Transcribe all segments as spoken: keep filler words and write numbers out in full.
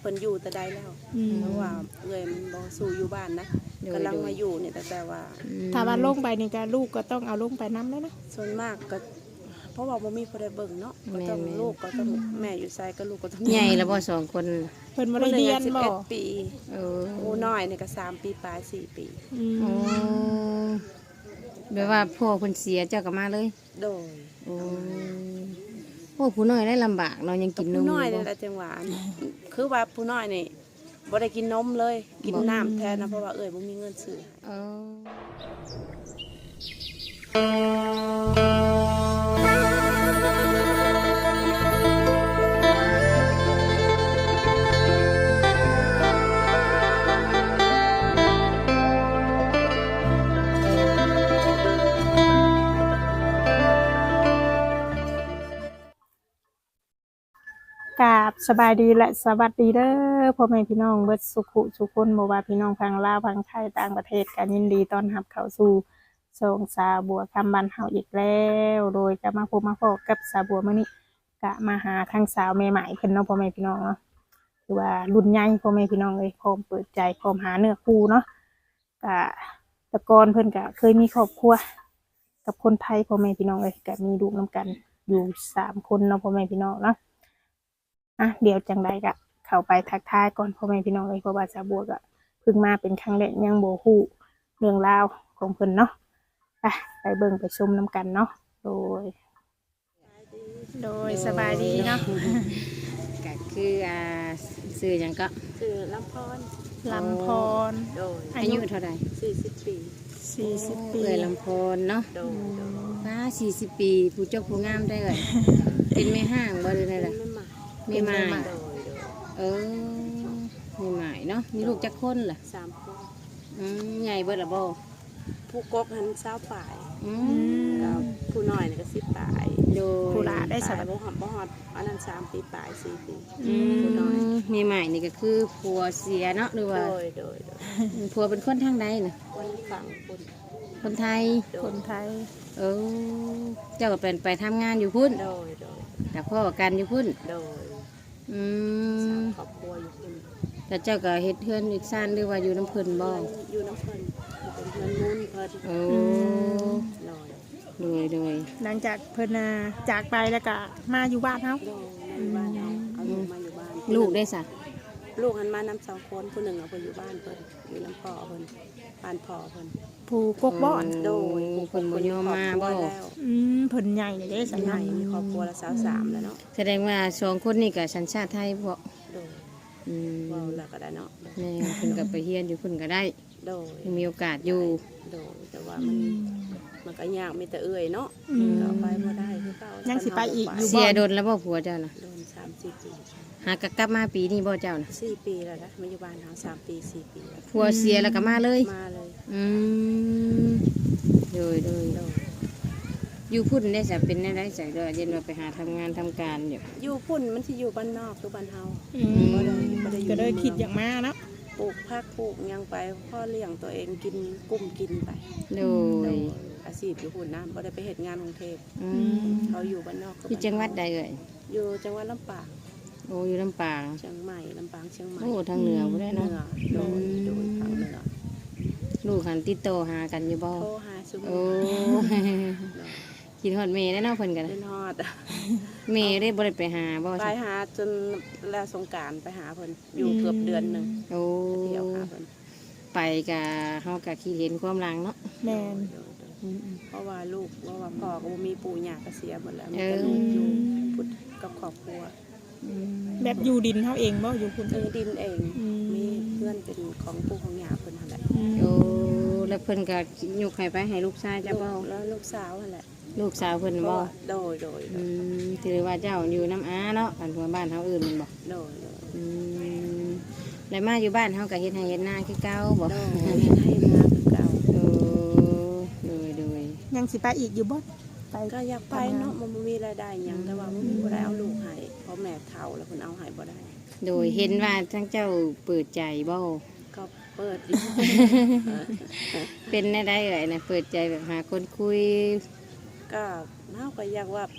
เพิ่นอยู่แต่ใดแล้วเพราะว่าเอ้ยมันบ่สู่อยู่บ้านนะกำลังมาอยู่เนี่ยแต่แต่ว่าถ้าว่าลงไปนี่ก็ลูกก็ต้องเอาลงไปนำเลยนะส่วนมากก็เพราะว่าบ่มีผู้ใดเบิ่งเนาะก็ต้องลูกก็ต้องแม่อยู่ไสก็ลูกก็ต้องใหญ่แล้วบ่สองคนเพิ่นบ่ได้เรียนบ่สิบเอ็ดปีเออโอ้น้อยนี่ก็สามปีปลายสี่ปีโอ้แบบว่าพ่อเพิ่นเสียเจ้าก็มาเลยโดยโอ้โอ้ผู้น้อยได้ลำบากเนาะยังกินนมผู้น้อยนี่แหละจังหวะคือว่าผู้น้อยนี่บ่ได้กินนมเลยกินน้ำแทนนะเพราะว่าเอ้ยบ่มีเงินซื้อเออกราบสบายดีและสวัสดีเด้อพ่อแม่พี่น้องเบิดสุขุสุขคนบ่ว่าพี่น้องทางลาวทางไทยต่างประเทศกันยินดีต้อนรับเข้าสู่ช่องสาบัวคำบ้านเฮาอีกแล้วโดยจะมาพบมาพบกับสาบัวมื้อนี้ก็มาหาทางสาวใหม่ๆเพิ่นเนาะพ่อแม่พี่น้องเนาะคือว่ารุ่นใหญ่พ่อแม่พี่น้องเลยพร้อมเปิดใจพร้อมหาเนื้อคู่เนาะก็แต่ก่อนเพิ่นก็เคยมีครอบครัวกับคนไทยพ่อแม่พี่น้องเลยก็มีลูกนํกันอยู่สามคนเนาะพ่อแม่พี่น้องเนาะอ่ะเดี๋ยวจังใดก็เข้าไปทักทายก่อนพ่อแม่พี่น้องเลยเพราะว่าสาบัวก็เพิ่งมาเป็นครั้งแรกยังบ่ฮู้เรื่องราวของเพิ่นเนาะไปไปเบิ่งไปชมน้ำกันเนาะโดยโดยสบายดีเนาะก็คืออ่าซื้อหยังก็คือลำพรลำพรโดยอายุเท่าใดสี่สิบปีสี่สิบปีเอ้ยลำพรเนาะโดยโดยป้าสี่สิบปีผู้เจ้าผู้งามได้เอ้ยเป็นแม่ห้างบ่ได้ได้ล่ะไม่มาไม่มาเออไม่หมายเนาะมีลูกจักคนล่ะสามคนอืมใหญ่เบิดละบ่ผู้กกหันเช้าป่ายอืมผู้น้อยนี่ก็สิบป่ายโดยผู้หลาได้สักบ่ฮอดบ่ฮอดอันนั้นสามปีป่ายสี่ปีผู้น้อยมีใหม่นี่ก็คือผัวเสียเนาะหรือว่าโดยโดยผัวเป็นคนทางใดน่ะคนฝั่งคนคนไทยคนไทยเออเจ้าก็เป็นไปทำงานอยู่พุ่นโดยโดยแต่พ่อกันอยู่พุ่นโดยอืมครอบครัวอยู่พุ่นแต่เจ้าก็เฮ็ดเฮือนอีกซ่านหรือว่าอยู่น้ำเพิ่นบ่อยู่น้ำเพิ่นเป็นเพิ่นนุ่นเพิ่นโอ้โดยโดยหลังจากเพิ่นจากไปแล้วก็มาอยู่บ้านเฮาอยู่บ้านเฮาเอาลูกมาอยู่บ้านลูกได้ซะลูกหันมานำสองคนผู้หนึ่งเอาไปอยู่บ้านเพิ่นอยู่น้ำพ่อเพิ่นบ้านพ่อเพิ่นผู้กกบ่อนโดยเพิ่นบ่ยอมมาบ่อืมเพิ่นใหญ่เด้สัญญามีครอบครัวละสาวสามแล้วเนาะแสดงว่าสองคนนี้ก็สัญชาติไทยบ่โดยอืมว้าวแล้วก็ได้เนาะแม่เพิ่นก็ไปเรียนอยู่เพิ่นก็ได้โดยมีโอกาสอยู่โดยแต่ว่ามันมันก็ยากมีแต่เอื้อยเนาะก็ไปบ่ได้คือเก่ายังสิไปอีกอยู่บ่เสียโดนแล้วบ่ผัวเจ้าน่ะโดนสามสี่ปีหากกลับมาปีนี้บ่เจ้าน่ะสี่ปีแล้วนะมาอยู่บ้านเฮาสามปีสี่ปีแล้วผัวเสียแล้วก็มาเลยมาเลยอืมโดยโดยอยู่พุ่นได้จะเป็นได้ได้จากเดือนเย็นว่าไปหาทำงานทำการอยู่อยู่พุ่นมันสิอยู่บ้านนอกคือบ้านเฮาบ่ได้บ่ได้ก็เลยคิดอย่างมาเนาะปลูกผักปลูกหยังไปพ่อเลี้ยงตัวเองกินกุ้มกินไปโดยอาชีพอยู่พุ่นนะบ่ได้ไปเฮ็ดงานกรุงเทพเขาอยู่บ้านนอกอยู่จังหวัดใดเอ่ยอยู่จังหวัดลำปางโอ้อยู่ลำปางเชียงใหม่ลำปางเชียงใหม่โอ้ทางเหนือบ่ได้เนาะโดยโดยทางเหนือลูกหันติดต่อหากันอยู่บ่โทรหาซุมื้อโอ้กินฮอดเมย์ได้เนาะเพิ่นกันกินฮอดเมย์ได้บ่ได้ไปหาบ่ไปหาจนแล้วสงกรานต์ไปหาเพิ่นอยู่เกือบเดือนนึงโอ้เที่ยวหาเพิ่นไปก็เฮาก็คิดเห็นความหลังเนาะแม่นเพราะว่าลูกเพราะว่าพ่อก็บ่มีปู่ย่าก็เสียหมดแล้วมีแต่ลูกอยู่พุทธกับครอบครัวแบบอยู่ดินเฮาเองบ่อยู่พุ่นเออดินเองมีเพื่อนเป็นของปู่ของย่าเพิ่นนั่นแหละโอ้แล้วเพิ่นก็ยกให้ไปให้ลูกชายจ้ะบ่แล้วลูกสาวนั่นแหละลูกสาวเพิ่นบ่โดยโดยอืมถือว่าเจ้าอยู่น้ำอาเนาะกันทั่วบ้านเฮาอื่นมันบ่โดยอืมแล้วมาอยู่บ้านเฮาก็เฮ็ดให้เฮ็ดนาคือเก่าบ่โดยเฮ็ดให้นาคือเก่าโอ้โดยโดยยังสิไปอีกอยู่บ่ไปก็อยากไปเนาะมันบ่มีรายได้หยังแต่ว่าบ่มีบ่ได้เอาลูกให้เพราะแม่เฒ่าแล้วเพิ่นเอาให้บ่ได้โดยเห็นว่าทั้งเจ้าเปิดใจบ่ก็เปิดอยู่เป็นได้ได้เอ่ยนะเปิดใจแบบหาคนคุยก็เฮาก็อยากว่าเอ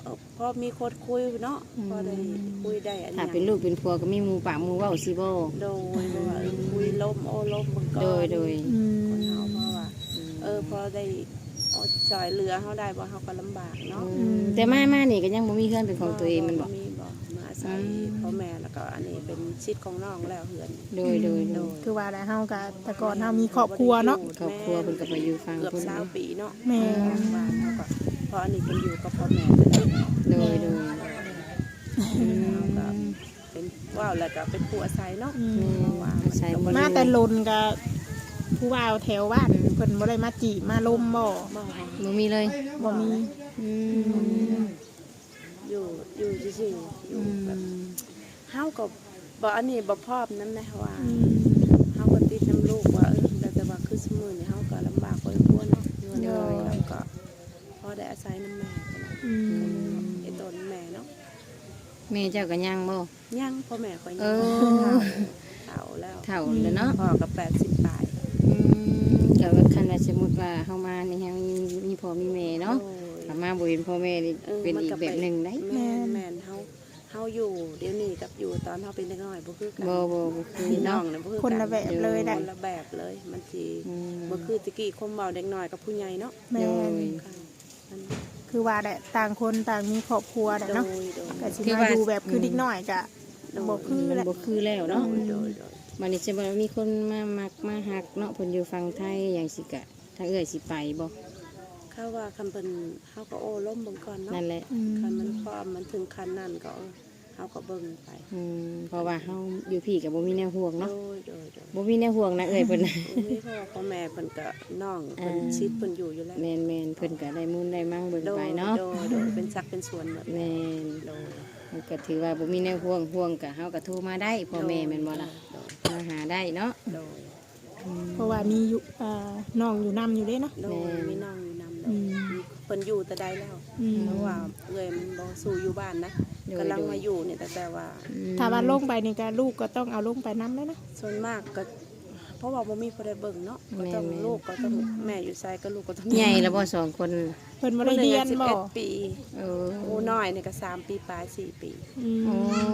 อพอมีคนคุยเนาะพอได้คุยได้อันถ้านี้เป็นลูกเป็นผัวก็มีหมู่ปากหมู่เว้าสิบ่โดยเพราะว่าเออคุยล้มโอ้ล้มมันก็โดยโดยอืมคนเฮาเพราะว่าเออพอได้เอาจ่อยเหลือเฮาได้บ่เฮาก็ลำบากเนาะอืมแต่มามานี่ก็ยังบ่มีเพื่อนเป็นของตัวเองมันบ่มีบ่มาอาศัยพ่อแม่แล้วก็อันนี้เป็นชิดของน้องแล้วเฮือนโดยโดยโดยคือว่าแล้วเฮาก็แต่ก่อนเฮามีครอบครัวเนาะครอบครัวเพิ่นก็ไปอยู่ฟังเกือบเพิ่นสามปีเนาะแม่บ้านเฮาก็พออันนี้เพิ่นอยู่กับพ่อแม่จะได้โดยโดยอืมเป็นว้าวแล้วก็เป็นผู้อาศัยเนาะอืมว่าอาศัยบ่มาแต่ลนก็ผู้ว่าแถวบ้านเพิ่นบ่ได้มาจีบมาลมบ่บ่บ่มีเลยบ่มีอืมอยู่อยู่ซื่อๆอยู่แบบเฮาก็บ่อันนี้บ่พร้อมนำนะว่าอืมเฮาก็ติดน้ำลูกว่าเออแต่แต่ว่าคือสมื้อนี้เฮาก็ลำบากพอสมควรเนาะอยู่เนาะแล้วก็พอได้อาศัยน้ำแม่พุ่นน่ะอืมไอ้ตนแม่เนาะแม่เจ้าก็ยังบ่ยังพ่อแม่ก็ยัเอง อเฒ่าแล้วเฒ่าแล้วเนาะพ่อก็แปดสิบปลายอืมก็ว่าคันว่าสมมุติว่าเฮามานี่เฮามีมีพ่อมีแม่เนาะโอ้ยถ้ามาบ่เห็นพ่อแม่นี่ออเป็นมัอีกก็แบบหนึงได้แม่นแม่นเฮาเฮาอยู่เดี๋ยวนี้กับอยู่ตอนเฮาเป็นเด็กน้อยบ่คือกันบ่บ่บ่คือพี่น้อเนาะงเนี่ยบ่คือคนละแบบเลยคได้นละแบบเลยมันสิอืมบ่คือตะกี้คมเมาเด็กน้อยกับผู้ใหญ่เนาะแม่โดนยค่ะมันคือว่าแหละต่างคนต่างมีครอบครัวแหละโดเนาะยโดยก็สิมาอยู่แบบคือเด็กน้อยก็บ่คือแหละบ่คือแล้วเนาะโดยโดยโดยบัดนี้จะบ่มีคนมามักมาฮักเนาะเพิ่นอยู่ฝั่งไทยอย่างสิกะถ้าเอ้อยสิไปบ่เขาว่าคำเพิ่นเฮาก็โอ้ล้มเบิ่งก่อนเนาะนั่นแหละอืมคันมันพร้อมมันถึงคันนั้นก็เออเฮาก็เบิ่งไปอืมเพราะว่าเฮาอยู่พี่ก็บ่มีแนวห่วงโดเนาะยโดยโดยบ่มีแนวห่วงนะเอ้อยเพิ่นโอ้ยพ่อพ่อแม่เพิ่นก็น้องเพิ่นอ่าชิดเพิ่นอยู่อยู่แล้วแม่นๆเพิ่นก็ได้มูลได้มั่งเบิ่งโดไปยเนาะโดยโดยเป็นสักเป็นส่วนหมดแม่นโดยมันก็ถือว่าบ่มีแนวห่วงห่วงก็เฮาก็โทรมาได้พ่อแม่แม่นบ่ล่ะโดยมาหาได้เนาะโดยอืมเพราะว่ามีอยู่เอ่อน้องอยู่นํอยู่เด้เนาะโดแม่ยมีน้องอยู่นำโดอืยมมีเพิ่นอยู่แต่ใดแล้วอืมเพราะว่าเอ้ยมันบ่สู่อยู่บ้านนะกำลังมาอยู่เนี่ยแต่แต่ว่าอืมถ้าว่าลงไปนี่ก็ลูกก็ต้องเอาลงไปนํแล้วเนาะส่วนมากก็ เพราะว่าบ่มีผู้ใดเบิ่งเนาะก็ต้องลูกก็ต้องแม่อยู่ไสก็ลูกก็ต้องใหญ่แล้วบ่สองคนเพิ่นบ่ได้เรียนสิบบ่เอ็ดปีเออผู้น้อยนี่ก็สามปีปลายสี่ปีอืมโอ้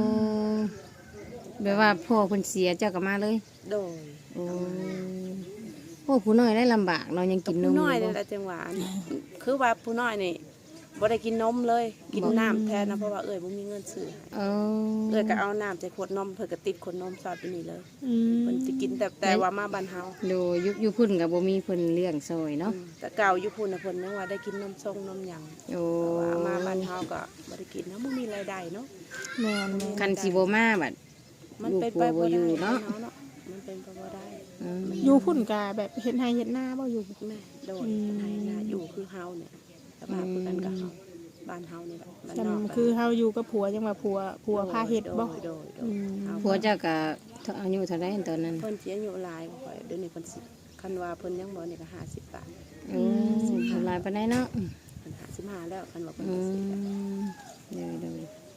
แบบว่าพ่อเพิ่นเสียเจ้าก็มาเลยโดยโอ้โอ้ผู้น้อยได้ลำบากเนาะยังกินนผู้มน้อยอยู่นี่บ่แหละจังหวะนี่คือว่าผู้น้อยนี่บ่ได้กินนมเลย กินน้ำแทนนะเพราะว่าเอ้ยบ่มีเงินซื้อให้เออเอ้ยก็เอาน้ำใส่ขวดนมเพิ่นก็ติดขวดนมสอดอยู่นี่เลยอืมเพิ่นสิกินแต่แต่ว่ามาบ้านเฮาโดยยุคอยู่พุ่นกับบ่มีเพิ่นเลี้ยงซอยเนาะอืมแต่เก่าอยู่พุ่นน่ะเพิ่นนึกว่าได้กินนมทรงนมหยังโอ้แต่ว่ามาบ้านเฮาก็บ่ได้กินเนาะบ่มีรายได้เนาะแม่นแม่นคันสิบ่มาบัดมันเป็นไปลูกผัวบ่บ่อยู่ได้เนาะเนาะเนาะมันเป็นไปบ่ได้อืมอยู่พุ่นก็แบบเฮ็ดไร่เฮ็ดนาบ่อยู่แม่โดนอืมให้นาอยู่คือเฮาเนี่ยสภาพคือกันกับเฮาบ้านเฮานี่แหละบ้านจำนอกคือเฮาอยู่กับผัวจังว่าผัวผัวพาเฮ็ดบ่โดยโดยโดอืยมเอาผัวเจ้าก็อายุเท่าใดตอนนั้นเพิ่นสิอายุหลายบ่ค่อยเดี๋ยวนี้เพิ่นสิคันว่าเพิ่นยังบ่นี่ก็ห้าสิบปลายโอ้ทำลายปานใดเนาะเพิ่นห้าสิบห้าแล้วคันว่าเพิ่นอืก็สิมเดี๋ยวเดี๋ยว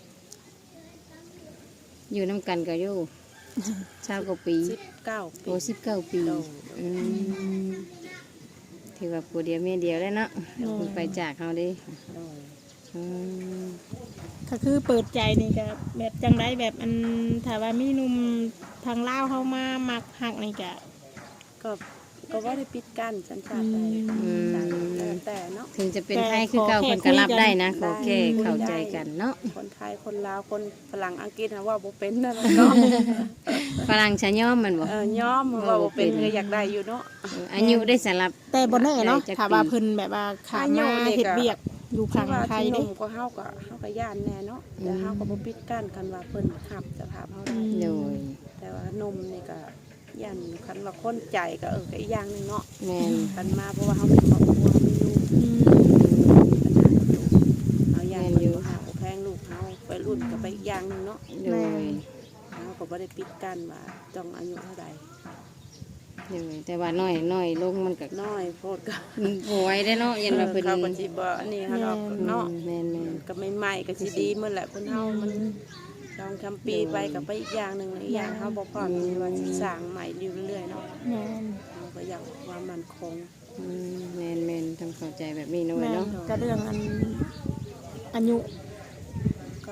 อยู่น้ำกันก็อยู่ชาวกว่าปีสิบเก้าปีโอ้สิบเก้าปีโดยอืมถือว่าผัวเดียวเมียเดียวแล้วเนาะเพิ่นไปจากเฮาเดิโดยอืมก็คือเปิดใจนี่ก็แบบจังไดแบบอันถ้าว่ามีหนุ่มทางลาวเข้ามามักฮักนี่ก็ก็ก็บ่ได้ปิดกั้นสัญชาติใดอืมแล้วแต่เนาะถึงจะเป็นไทยคือเก่าคนก็รับได้นะขอแค่เข้าใจกันเนาะคนไทยคนลาวคนฝรั่งอังกฤษนะว่าบ่เป็นนั่นแหละเนาะฝรั่งชะย่อมมันบอกเออยอมว่าบ่เป็นก็อยากได้อยู่เนาะอายุได้สำหรับแต่บ่แน่เนาะได้จักถ้าว่าปีเพิ่นแบบว่าขาอายุมานี่ก็เฮ็ดเวียกอยู่ฝั่งว่าไทยที่หเด้นุ่มก็เฮาก็เฮาก็ย่านแน่เนาะแต่เฮาก็บ่ปิดกั้นกันว่าเพิ่นขับสภาพเฮาได้โดยแต่ว่าหนมนี่ก็ย่านคันว่าคนใจก็เออก็อีกอย่างหนึงเนาะแม่นคันมาเพราะว่าเฮามีครอบครัวมีลูกอืมปัญหากับลูกเฮาย่านเพิ่นบ่หาบ่แพงลูกเฮาไปรุ่นก็ไปอีกอย่างหนึงเนาะโดยเฮาก็บ่ได้ปิดกั้นว่าต้องอายุเท่าใดโดยแต่ว่าน้อยน้อยลงมันก็น้อยโพดก็โวยได้เนาะยันว่าเพิ่นเขาก็สิบ่อันนี้เฮาดอกเนาะแม่นแม่นก็ใหม่ๆก็สิดีเมื่อแหละเพิ่นเฮามันลองทำปีไปก็ไปอีกอย่างหนึงอีกอย่างเฮาบ่พร้อมที่ว่าสิสร้างใหม่อยู่เรื่อยๆเนาะแม่นเฮาก็อยากว่ามันคงอืมแม่นแม่นทำเข้าใจแบบนี้น้อยแม่นเนาะก็เรื่องอันอายุ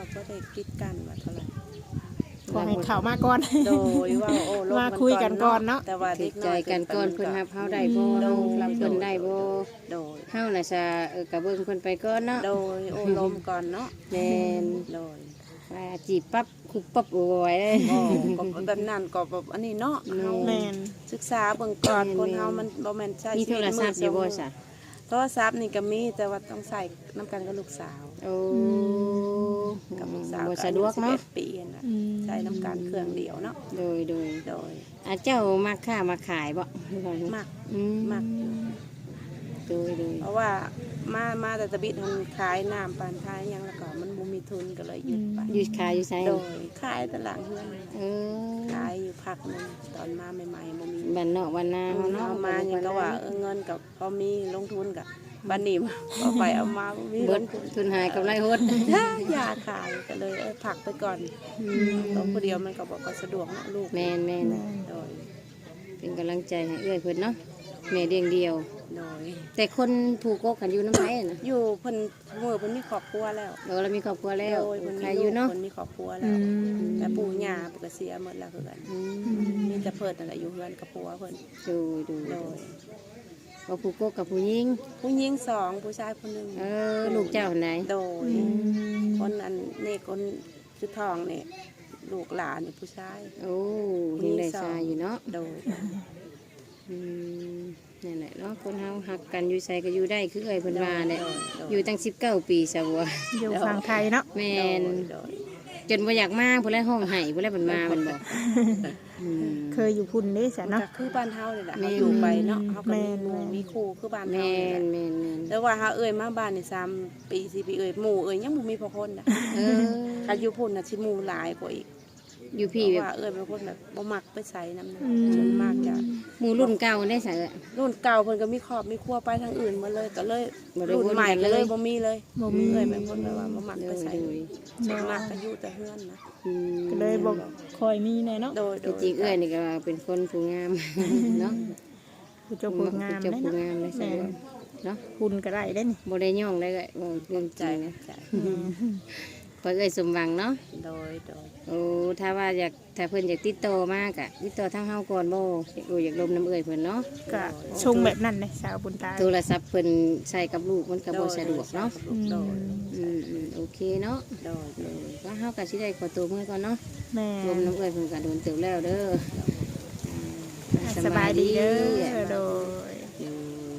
ว่าบ่ได้กิดกันว่าเท่าไหร่ขอให้เข้ามาก่อนโดยว่าโอ้ลบมาคุยกันก่อนเนาะแต่ว่าติเด็ดกใจน้อยกันก่อนเพิ่นรับเฮาได้บ่เฮารับเพิ่นได้บ่โดยเฮาน่ะจะเออกะเบิ่งเพิ่นไปก่อนเนาะโดยโอ้ลมก่อนเนาะแม่นโดยว่าจีบปั๊บคุบปั๊บโอ้ยเลยก็ก็แบบนั้นก็แบบอันนี้เนาะเฮาแม่นศึกษาเบิ่งก่อนแม่นคนเฮามันบ่แม่นใช้มีชีโทวิตรศัพท์อยู่บ่ซะโทรศัพท์นี่ก็มีแต่ว่าต้องใส่น้ำกันกับลูกสาวโอ้กับลูกสาวบ่สะดวกเนาะสิบอ็ดปีน่ะอืมใช้น้ำกันเครื่องเดียวเนาะโดยโดยโดยอาเจ้ามาค้ามาขายบ่มักอืมมักอยู่โดยโดยเพราะว่ามามาแต่ตะบิดมันขายน้ำปานขายหยังแล้วก็มันบ่มีทุนก็เลยหยุดไปอยู่ขายอยู่ไสโดยขายตลาดเฮือนเออขายอยู่พักหนึงตอนมาใหม่ๆบ่มีบ้านนอกบ้านนาเฮาเนาะเอามายังก็ว่าเออเงินกับพอมีลงทุนกับบันนี้เอาไปเอามาบ่มีเบิลดงทุนทุนหายกำไรหดยาขายก็เลยเออผักไปก่อนตัวผู้เดียวมันก็บอกก็สะดวกเนาะลูกแม่นแม่นโดยเป็นกำลังใจให้เอื้อยเพิ่นเนาะแม่เลี้ยงเดียวโดยแต่คนผูกกกกันอยู่น้ำไผน่ะอยู่เพิ่นมือเพิ่นมีครอบครัวแล้วเราเรามีครอบครัวแล้วโดยเพิ่นใครมีอลูยู่กเนาะเพิ่นมีครอบครัวอืแล้วมแต่ปู่ย่าเพิ่นก็เสียหมดแล้วคือกันอืมมีแต่เพิ่นนั่นแหละอยู่เฮือนกับผัวเพิ่นดูดูโดยว่าผูกกกกับผู้หญิงผู้หญิงสองผู้ชายคนหนึงเออลูกเจ้าไหนโดยคนอันนี่คนชุดทองนี่ลูกหลานนี่ผู้ชายโอ้ยังได้ชายอยู่เนาะโดยอืมนั่นแหละเนาะคนเฮาหักกันอยู่ใส่ก็อยู่ได้คือเอ้ยเพิ่นว่าเนี่ยอยู่ตั้งสิบเก้าปีซะบัวอยู่ฝั่งไทยเนาะแม่นโดยจนบ่อยากมาพุ่นแลห้องไห้พุ่นแลเพิ่นมามันบอกอืมเคยอยู่พุ่นเด้ซะเนาะเนาะคือบ้านเฮานี่แหละแม่เฮาน อยู่ไปเนาะเฮาก็แม่มีนหมู่แม่นมีครูคือบ้านเฮาแม่นี่แหละนแม่นแม่นแต่ว่าเฮาเอ้ยมาบ้านนี่สามปีสี่ปีเอ้ยหมู่เอ้ยยังบ่มีพอคนน่ะเออถ้าอยู่พุ่นน่ะสิหมู่หลายกว่าอีกอยู่เพพี่ราะแบบว่าเอ้ยเป็นคนแบบบ่มักไปใส่น้ำนะอืมส่วนมากจะหมู่รุ่นเก่าได้ซะเอ้ยรุ่นเก่าเพิ่นก็มีครอบมีครัวไปทางอื่นหมาเลยก็เลยบ่ได้รุ่นใหม่วนกันก็เลยเลยบ่มีเลยบ่มีเอ้ยเป็นคนแบบว่าบ่มักโดไปยใส่โดยส่วนมากก็อยู่แต่เฮือนนะอืมก็เลยบ่ค่อยมีแน่เนาะโดยโดที่ยจริงเอ้ยนี่ก็เป็นคนผู้งาม เนาะผู้เจ้าผู้งามเจ้าเด้ผู้เนาะงามเลยซะแม่นเนาะหุ่นก็ได้เด้นี่บ่ได้ย่องได้ก็บ่เรื่องใจใจนะนะใจเพิ่นเอ้ยสมหวังเนาะโดยโดยโอ้ถ้าว่าอยากถ้าเพิ่นอยากติดต่อมากอะติดต่อทางเฮาก่อนบ่อยากรู้อยากลมน้ำเอ้ยเพิ่นเนาะก็ชงแบบนั้นเลยสาวบุญตาโทรศัพท์เพิ่นใช้กับลูกมันก็บ่สะดวกเนาะอืมโดยอืมอืมโอเคเนาะโดยเออก็เฮาก็สิได้ขอตัวมื้อก่อนเนาะแม่ลมน้ำเอ้ยเพิ่นก็โดนเติบแล้วเด้ออ่าสบายดีเด้อโดยอืม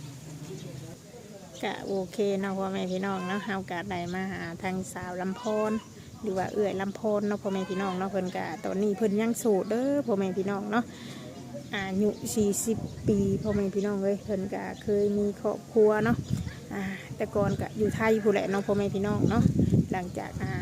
ก็โอเคเนาะพ่อแม่พี่น้องเนาะเฮาก็ได้มาหาทางสาวลำพอนหรือว่าเอื้อยลำพอนเนาะพ่อแม่พี่น้องเนาะเพิ่นก็ตอนนี้เพิ่นยังโสดเด้อพ่อแม่พี่น้องเนาะอายุสี่สิบปีพ่อแม่พี่น้องเอ้ยเพิ่นก็เคยมีครอบครัวเนาะอ่าแต่ก่อนก็อยู่ไทยผู้แหละเนาะพ่อแม่พี่น้องเนาะหลังจากอ่า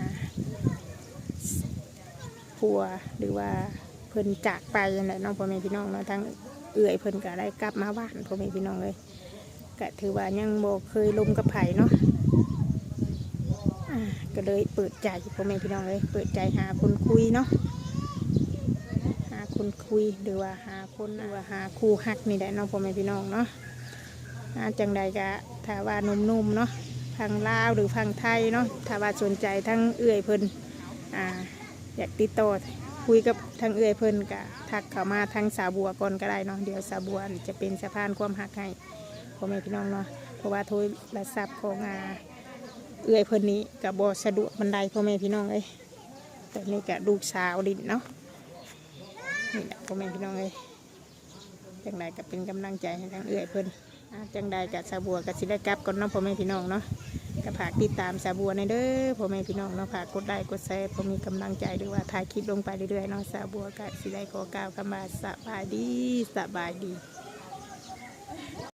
ผัวหรือว่าเพิ่นจากไปนั่นแหละเนาะพ่อแม่พี่น้องเนาะทั้งเอื้อยเพิ่นก็ได้กลับมาบ้านพ่อแม่พี่น้องเอ้ย ก็ถือว่ายังบ่เคยลมกับไผ่เนาะอ่าก็เลยเปิดใจพ่อแม่พี่น้องเลยเปิดใจหาคนคุยเนาะหาคนคุยหรือว่าหาคนหรือว่าหาคู่ฮักนี่แหละเนาะพ่อแม่พี่น้องเนาะอ่าจังใดก็ถ้าว่าหนุ่มๆเนาะพังลาวหรือพังไทยเนาะถ้าว่าสนใจทั้งเอื้อยเพิ่นอ่าอยากติดต่อคุยกับทั้งเอื้อยเพิ่นก็ทักเข้ามาทางสาวบัวก่อนก็ได้เนาะเดี๋ยวสาวบัวจะเป็นสะพานความฮักให้พ่อแม่พี่น้องเนาะเพราะว่าโทรศัพท์ของอาเอื้อยเพิ่นนี้กับบสะดวกบันไดพ่อแม่พี่น้องเอ้ยแต่นี่กับลูกสาวดินเนาะนี่แหละพ่อแม่พี่น้องเอ้ยจังใดก็เป็นกำลังใจให้ทางเอื้อยเพิ่นอ่าจังใดกับสาบัวกับสิได้กลับก่อนเนาะพ่อแม่พี่น้องเนาะก็ฝากติดตามสาบัวในเด้อพ่อแม่พี่น้องเนาะฝากกดไลค์กดแชร์พอมีกำลังใจหรือว่าถ่ายคลิปลงไปเรื่อยๆเนาะสาบัวกับสิได้ขอกล่าวคำว่าสบายดีสบายดี